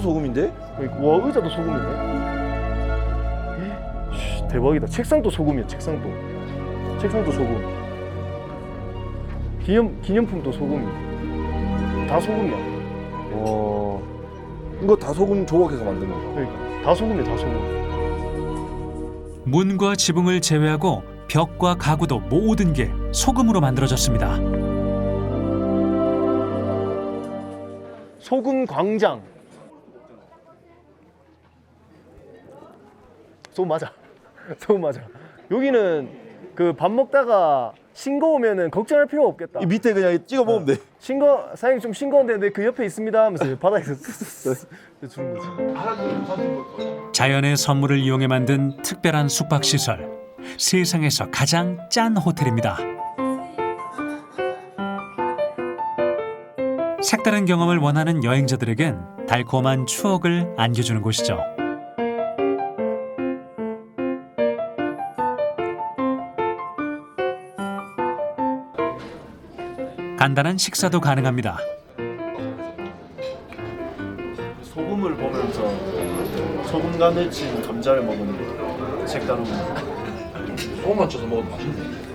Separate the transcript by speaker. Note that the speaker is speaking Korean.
Speaker 1: 소금인데?
Speaker 2: 와, 의자도 소금이네. 대박이다. 책상도 소금이야. 책상도 소금. 기념품도 소금이. 다 소금이야.
Speaker 1: 와, 이거 다 소금 조각해서 만든 거.
Speaker 2: 그러니까 다 소금이야. 다 소금.
Speaker 3: 문과 지붕을 제외하고 벽과 가구도 모든 게 소금으로 만들어졌습니다.
Speaker 2: 소금 광장. 소금 맞아. 소금 맞아. 여기는 그 밥 먹다가 싱거우면은 걱정할 필요가 없겠다.
Speaker 1: 이 밑에 그냥 찍어 먹으면 돼.
Speaker 2: 사장님 좀 싱거운데 그 옆에 있습니다 하면서 바닥에서 주는 거지.
Speaker 3: 자연의 선물을 이용해 만든 특별한 숙박시설. 세상에서 가장 짠 호텔입니다. 색다른 경험을 원하는 여행자들에겐 달콤한 추억을 안겨주는 곳이죠. 간단한 식사도 가능합니다.
Speaker 2: 소금을 보면서 소금과 맺힌 감자를 먹으면 색다른 거.
Speaker 4: 소금만 쳐서 먹어도 맛있네.